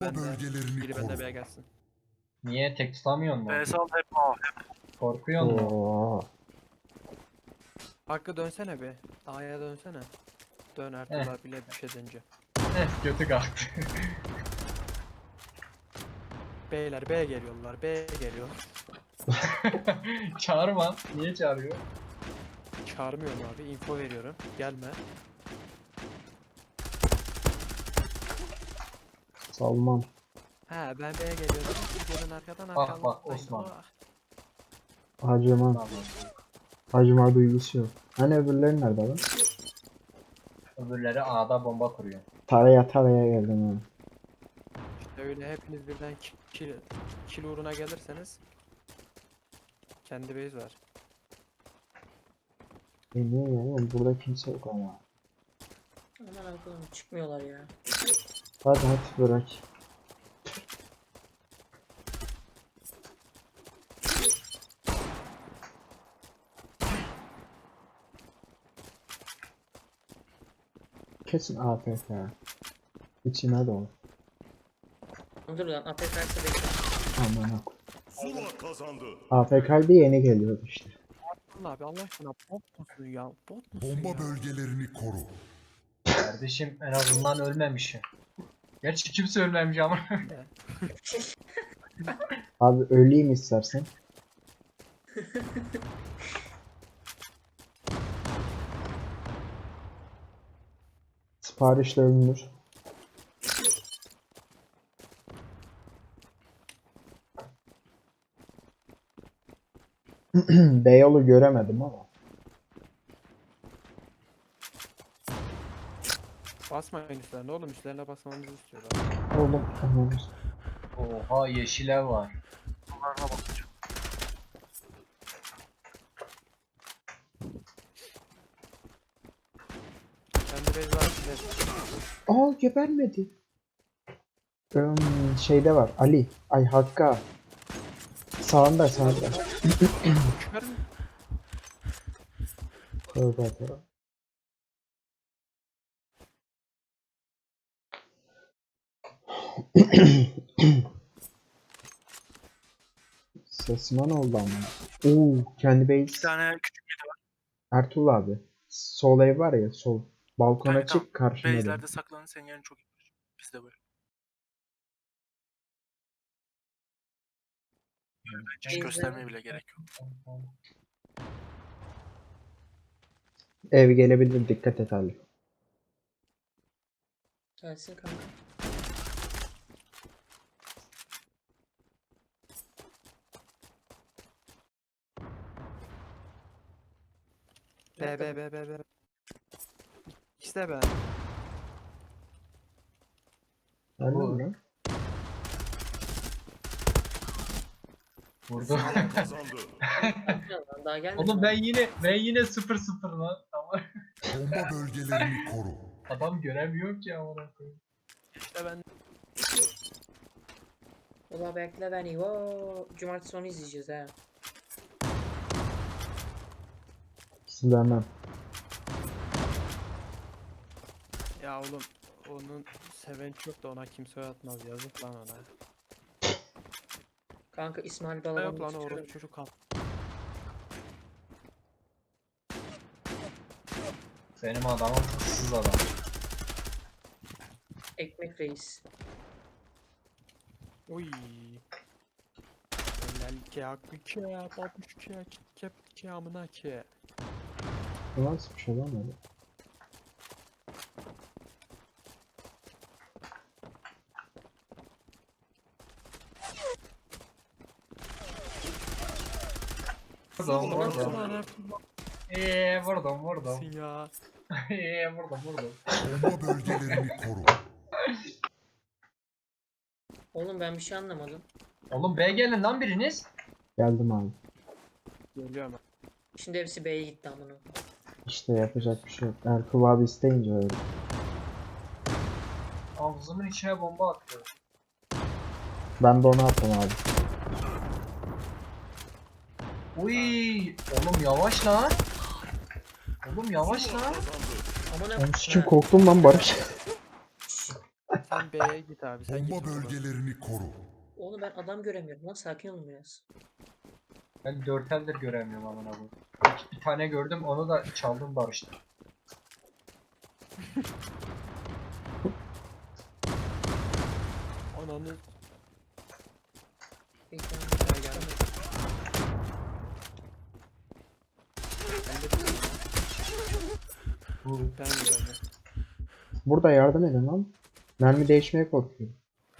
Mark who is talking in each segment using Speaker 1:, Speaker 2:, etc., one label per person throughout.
Speaker 1: Bölgelerini
Speaker 2: Biri
Speaker 1: koru.
Speaker 2: bende B'ye gelsin.
Speaker 3: Niye tek tutamıyorsun mu?
Speaker 4: Sal hep A.
Speaker 3: Korkuyor mu?
Speaker 5: Oo.
Speaker 2: Hakkı dönsene bir. A'ya dönsene. Dön Ertuğrul bile bir şey dönce.
Speaker 3: Götü kalktı.
Speaker 2: Beyler B geliyorlar. B geliyor.
Speaker 3: Çağırma. Niye çağırıyor?
Speaker 2: Çağırmıyorum abi. Info veriyorum. Gelme.
Speaker 5: Salman.
Speaker 2: He ben B'ye geliyorum. Siz gelin arkadan
Speaker 3: Bak,
Speaker 2: arkadan.
Speaker 3: bak, Osman.
Speaker 5: Acıma.
Speaker 3: Tamam.
Speaker 5: Acıma duygusu yok. Hani öbürleri nerede lan?
Speaker 3: Öbürleri A'da bomba kuruyor.
Speaker 5: Taraya geldim ha.
Speaker 2: İşte öyle hepiniz birden kill uğruna gelirseniz kendi base var.
Speaker 5: Niye ya? Oğlum burada kimse yok ama.
Speaker 6: Aman Allah'ım çıkmıyorlar ya.
Speaker 5: Hadi bırak. Kesin AFK. İçime doğru.
Speaker 6: Dur lan APK'sı bekle.
Speaker 5: Aman ha.
Speaker 1: Zula kazandı.
Speaker 5: AFK'de yeni geliyordu işte.
Speaker 2: Allah abi Allah aşkına bot musun ya? Bot musun
Speaker 1: Bomba
Speaker 2: ya?
Speaker 1: bölgelerini koru.
Speaker 3: Kardeşim en azından ölmemişim. Gerçi kimse ölmemiş ama.
Speaker 5: Abi öleyim istersen. Siparişle ölünür. Beyoğlu göremedim ama.
Speaker 2: Basmayın üstlerine oğlum, üstlerine basmamızı istiyorlar.
Speaker 5: Oğlum tamam.
Speaker 3: Oha yeşil ev var.
Speaker 4: Bunlarına bakacağım.
Speaker 2: Kendi base var.
Speaker 5: Aa gebermedi. Şeyde var Ali. Ay Hakk'a. Sağında.
Speaker 2: Çıkar mı?
Speaker 5: Tövbe tövbe. Sesman oldu ama. Oo, kendi
Speaker 4: Bir
Speaker 5: base.
Speaker 4: tane küçük
Speaker 5: Ertuğrul abi. Sol ev var ya sol. Balkona
Speaker 4: Tamam,
Speaker 5: çık karşında.
Speaker 4: base'lerde saklanın, senin yerin çok iyi. Biz de böyle. Hiç göstermeye bile gerek yok.
Speaker 5: Ev gelebilir, dikkat et Ali.
Speaker 6: Gelsin kanka.
Speaker 2: B. İşte be.
Speaker 5: Anladın mı?
Speaker 3: Vurdu.
Speaker 1: Kazandı.
Speaker 6: Bakacağım lan, daha gelmedi.
Speaker 3: Oğlum ben yine 0-0 lan. Ama
Speaker 1: Bomba bölgelerini koru.
Speaker 3: adam göremiyor ki amına koyayım.
Speaker 2: İşte ben
Speaker 6: Ula bekle beni. Wow. Cumartesi sonu izleyeceğiz ha.
Speaker 5: Silahım.
Speaker 2: ya oğlum onun seven çok da ona kimse atmaz, yazık lan ona.
Speaker 6: Kanka İsmail
Speaker 2: Yok
Speaker 6: Balaban'ı
Speaker 2: lan
Speaker 6: tutuyorum.
Speaker 2: orası çocuk al.
Speaker 3: Benim adamım hırsız adam.
Speaker 6: Ekmek reis.
Speaker 2: Uy. Helal ki hakkı ki babuş ki kep ki amına ki.
Speaker 5: Bu nasıl bir şey lan öyle?
Speaker 3: Vurdum
Speaker 2: Ulan
Speaker 3: vurdum.
Speaker 2: Ertuğrul
Speaker 3: Vurdum.
Speaker 2: abisin ya.
Speaker 3: Vurdum.
Speaker 1: Bomba bölgelerini koru.
Speaker 6: Oğlum ben bir şey anlamadım.
Speaker 3: Oğlum B gelin lan biriniz.
Speaker 5: Geldim abi.
Speaker 2: Geliyorum.
Speaker 6: Şimdi hepsi B'ye gitti amına.
Speaker 5: İşte yapacak bir şey yok. Ertuğrul abi isteyince öyle.
Speaker 3: Ağzımın içine bomba attı.
Speaker 5: Ben de onu attım abi.
Speaker 3: Uy, oğlum yavaş lan. Oğlum yavaş lan.
Speaker 6: Amına
Speaker 5: Ben
Speaker 6: koyayım.
Speaker 5: sikim korktum lan Barış.
Speaker 2: Sen Sen B'ye git abi. Sen git.
Speaker 1: Bomba
Speaker 2: o zaman.
Speaker 1: bölgelerini koru.
Speaker 6: Oğlum ben adam göremiyorum lan, sakin olun biraz.
Speaker 3: Ben 4 eldir göremiyorum amına koyayım. Bir tane gördüm, onu da çaldım barıştım.
Speaker 2: Ananı.
Speaker 6: Bekle.
Speaker 2: Gel gel. Ben de
Speaker 3: Bu
Speaker 2: ben gördüm.
Speaker 5: Burada yardım edin lan. Mermi değişmeye korkuyorum.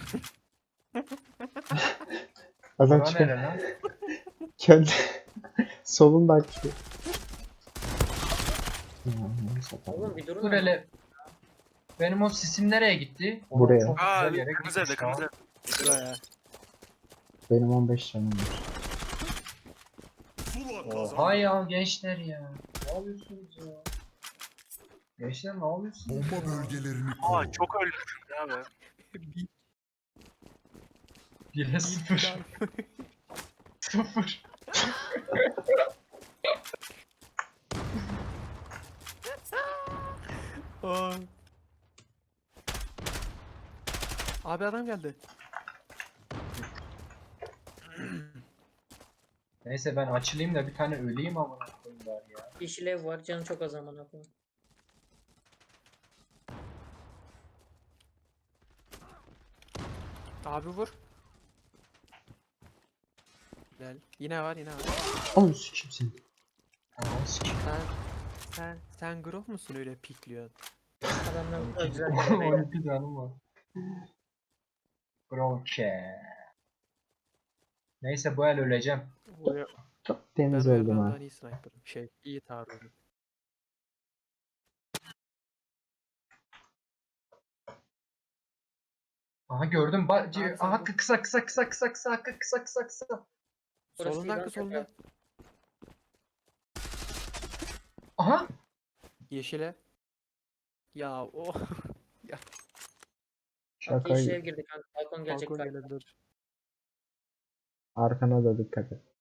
Speaker 5: Adam
Speaker 3: bura
Speaker 5: çıkıyor.
Speaker 3: nere lan?
Speaker 5: Kendi solunda açıyor. Ya, neyse, tamam.
Speaker 6: Oğlum bir durun
Speaker 3: Dur
Speaker 6: lan.
Speaker 3: hele. Benim o sisim nereye gitti? Oğlum
Speaker 5: Buraya.
Speaker 3: çok
Speaker 4: Aa
Speaker 3: güzel yere
Speaker 4: kırmızı evde
Speaker 3: gitmiş
Speaker 4: kırmızı
Speaker 3: ya.
Speaker 4: evde.
Speaker 2: Buraya.
Speaker 5: Benim 15 canım var.
Speaker 1: Zula
Speaker 3: Oha
Speaker 1: kazandı.
Speaker 3: ya gençler ya. Ne yapıyorsunuz ya? Gençler ne yapıyorsunuz
Speaker 1: Bomba
Speaker 3: ya?
Speaker 1: bölgelerini
Speaker 4: Aa
Speaker 1: koru.
Speaker 4: çok ölmüşüm ya be.
Speaker 2: Bir
Speaker 3: 1'e 0. 0.
Speaker 2: Aa. Abi adam geldi.
Speaker 3: Neyse ben açılayım da bir tane öleyim amına koyayım bari ya.
Speaker 6: Yeşil ev var, canı çok az amına koyayım.
Speaker 2: Abi vur. Güzel. Yine var, yine var.
Speaker 5: Oğlum sikim seni.
Speaker 3: Anam sikim.
Speaker 2: Sen grof musun öyle pikliyorsun?
Speaker 6: Adamlar bu kadar güzel gelmeyi.
Speaker 3: 12 canım var. Bronke. Neyse bu el öleceğim.
Speaker 2: Buraya
Speaker 5: Çok
Speaker 2: ben
Speaker 5: temiz
Speaker 2: o
Speaker 5: oldum ha.
Speaker 2: yerden iyi sniper'ım. İyi taarruzum.
Speaker 3: Aha gördüm.
Speaker 2: Abi sen
Speaker 3: Aha
Speaker 2: bu-
Speaker 3: kısa kısa kısa kısa kısa kısa kısa kısa.
Speaker 6: Burası
Speaker 2: Solundan
Speaker 6: İran
Speaker 2: kız solunda.
Speaker 6: tepe.
Speaker 3: Aha.
Speaker 2: Yeşile. Ya o
Speaker 6: Bak
Speaker 5: Şaka
Speaker 6: yeşil ev girdi kanka. Balkon gelecek
Speaker 2: balkon
Speaker 6: galiba.
Speaker 2: gelebilir.
Speaker 5: arkana da dikkat et.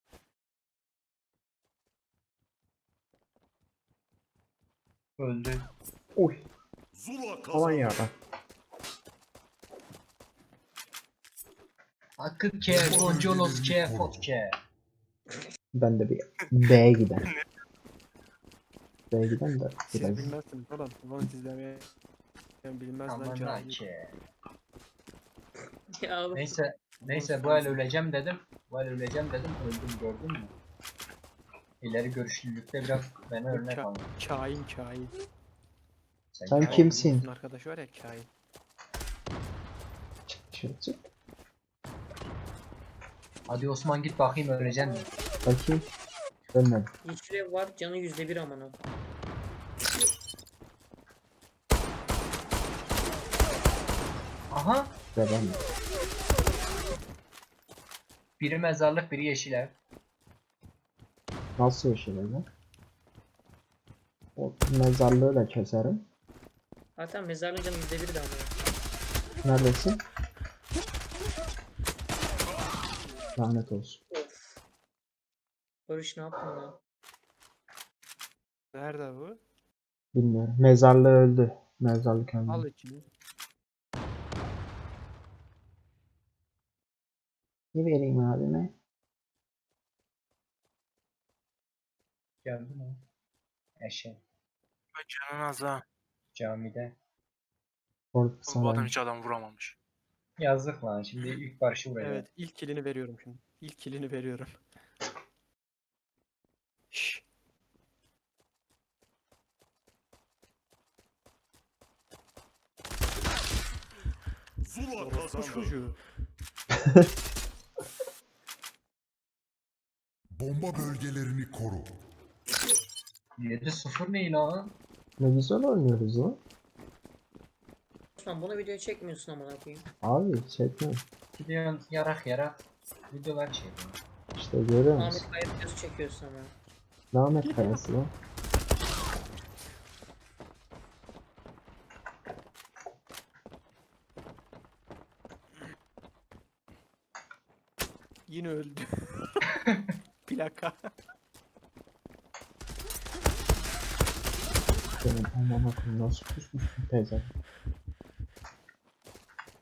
Speaker 3: Öldü.
Speaker 5: Uy.
Speaker 1: Zula
Speaker 5: Aman
Speaker 1: kazandı.
Speaker 5: yarabbim.
Speaker 3: Hakkı ke, Goncolos ke, Fot ke.
Speaker 5: Ben de bir B'ye giden. B'ye giden de
Speaker 2: Siz
Speaker 5: biraz.
Speaker 2: bilmezsiniz oğlum. Bunu izlemeye bilmez lan
Speaker 3: Aman
Speaker 2: cahil.
Speaker 3: ke.
Speaker 6: Ya oğlum.
Speaker 3: Neyse bu el öleceğim dedim. Bu el öleceğim dedim. Öldüm gördün mü? İleri görüşlülükte biraz bana örnek
Speaker 2: Ça-
Speaker 3: al.
Speaker 2: Kain.
Speaker 5: Sen
Speaker 3: kain
Speaker 5: kimsin?
Speaker 2: Bizim arkadaş var ya kain.
Speaker 5: Çık çık.
Speaker 3: Hadi Osman git bakayım öleceksin mi?
Speaker 5: Bakayım. Ölmedim.
Speaker 6: Yeşil ev var, canı %1 amına.
Speaker 3: Aha.
Speaker 5: Ve ben de.
Speaker 3: Biri mezarlık biri yeşil ev.
Speaker 5: Nasıl yaşayacağım? O mezarlığı da keserim.
Speaker 6: Hatta mezarlığın canı %1 de amına.
Speaker 5: Neredesin? Lanet olsun.
Speaker 6: Of. Barış ne yaptın lan?
Speaker 2: Nerede bu?
Speaker 5: Bilmiyorum. Mezarlığı öldü. Mezarlık öldü.
Speaker 2: Al içini.
Speaker 5: Ne vereyim abime?
Speaker 3: Geldi mi? Eşe.
Speaker 4: Ay canın az ha.
Speaker 3: Camide.
Speaker 5: Korku
Speaker 4: Bu adam
Speaker 5: sana.
Speaker 4: hiç adam vuramamış.
Speaker 3: Yazdık lan şimdi ilk barışı buraya.
Speaker 2: Evet, ilk kilini veriyorum şimdi. İlk kilini veriyorum. Şşş.
Speaker 1: Zula
Speaker 2: Orospu
Speaker 1: kazandı.
Speaker 2: çocuğu.
Speaker 1: Bomba bölgelerini koru.
Speaker 3: 7-0 ne lan?
Speaker 5: Ne güzel oynuyoruz lan.
Speaker 6: Osman bunu video çekmiyorsun amına koyayım.
Speaker 5: Abi çekme.
Speaker 3: Gidiyorsun yarak videolar çekiyorsun.
Speaker 5: İşte görüyor musun?
Speaker 6: Ahmet Kaya videosu çekiyorsun ama.
Speaker 5: Lanet kayası lan.
Speaker 2: Yine öldü. Plaka.
Speaker 5: Benim aman akım nasıl kusmuş bu teyze.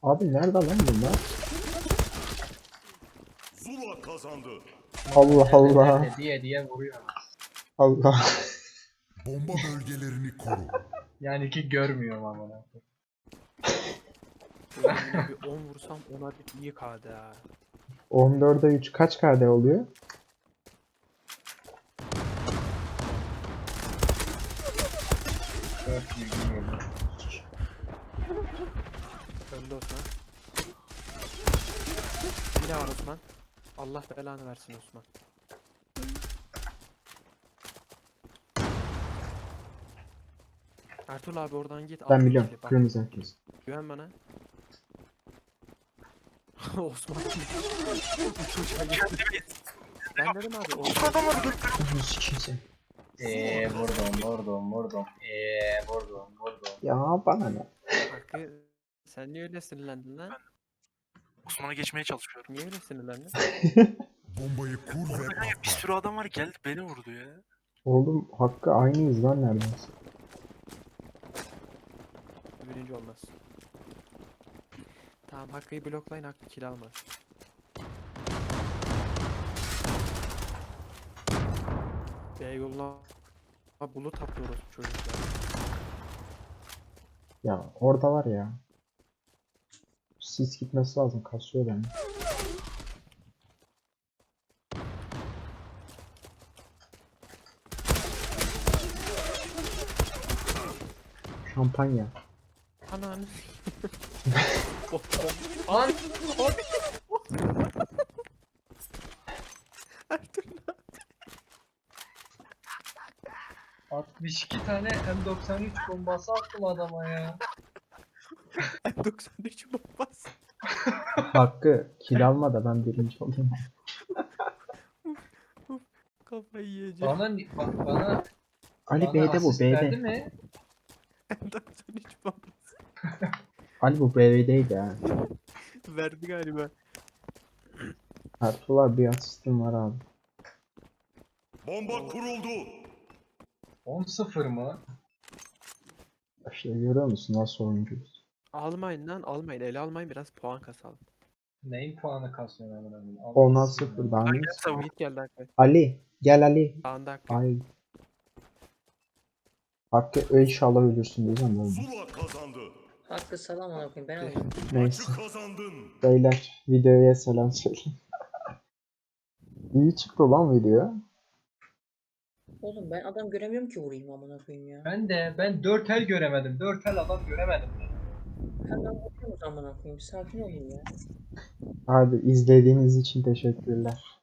Speaker 5: Abi nerede lan bunlar?
Speaker 1: Zula kazandı.
Speaker 5: Allah Allah.
Speaker 3: Nerede diye vuruyor.
Speaker 5: Allah.
Speaker 1: Bomba bölgelerini koru.
Speaker 3: Yani ki görmüyorum ama.
Speaker 2: Yine bir 10 vursam ona bir iyi KD ha.
Speaker 5: 14'e 3 kaç KD oluyor?
Speaker 2: Öldü Osman. Yine var Osman. Allah belanı versin Osman. Ertuğrul abi oradan git. al
Speaker 5: Ben
Speaker 2: şu
Speaker 5: biliyorum.
Speaker 2: kili, bak.
Speaker 5: Kırmızı herkes.
Speaker 2: Güven bana. Osman. Uçuşa gitti. Ben dedim abi Osman.
Speaker 4: Adam var.
Speaker 5: Sikeyim.
Speaker 3: Vurdum. Vurdum.
Speaker 5: Ya bana ne?
Speaker 2: Hakkı sen niye öyle sinirlendin lan?
Speaker 4: Osman'a geçmeye çalışıyorum.
Speaker 2: Niye öyle sinirlendin?
Speaker 1: Bombayı kur ve
Speaker 4: Bir
Speaker 1: patlat.
Speaker 4: sürü adam var geldi beni vurdu ya.
Speaker 5: Oğlum Hakkı aynıyız lan neredeyse.
Speaker 2: Birinci olmaz. Tamam Hakkı'yı bloklayın, Hakkı kill almaz. B yoluna bulut atıyoruz çocuklar.
Speaker 5: Ya orada var ya. Sis gitmesi lazım. Kasıyor beni. Şampanya.
Speaker 2: Anan.
Speaker 3: Lan!
Speaker 2: Ertuğrul
Speaker 3: 62 tane M93 bombası attım adama ya.
Speaker 2: 93 bombas.
Speaker 5: Hakkı kill alma da ben birinci olayım.
Speaker 2: Kafayı yiyeceğim.
Speaker 3: Bana
Speaker 5: Ali B'de bu
Speaker 3: asist verdi
Speaker 5: B'de.
Speaker 3: mi?
Speaker 2: 93 bombas.
Speaker 5: Ali bu B'deydi ha.
Speaker 2: Verdi galiba.
Speaker 5: Ertuğrul abi bir asistim var abi.
Speaker 1: Bomba kuruldu.
Speaker 3: 10-0 mı?
Speaker 5: İşte görüyor musun nasıl oyuncuyuz?
Speaker 2: Almayın lan, almayın. Ele almayın, biraz puan kasalım.
Speaker 3: Neyin puanı kasıyorsun amına koyayım?
Speaker 5: 10'a
Speaker 3: Allah'ım
Speaker 5: 0
Speaker 3: ya.
Speaker 5: daha ne?
Speaker 2: Mid geldi Hakkı.
Speaker 5: Ali gel Ali.
Speaker 2: Sağında Hakkı.
Speaker 5: Ay. Hakkı inşallah ölürsün diyeceğim öyle.
Speaker 1: Zula kazandı.
Speaker 6: Hakkı salam ona koyayım ben alayım.
Speaker 5: Neyse.
Speaker 1: Maçı kazandın.
Speaker 5: Beyler videoya selam söyleyin. İyi çıktı lan video.
Speaker 6: Oğlum ben adam göremiyorum ki vurayım amına koyayım ya.
Speaker 3: Ben 4 el göremedim. 4 el adam göremedim.
Speaker 6: Hemen vuruyoruz amına koyayım. Sakin olun ya.
Speaker 5: Abi izlediğiniz için teşekkürler.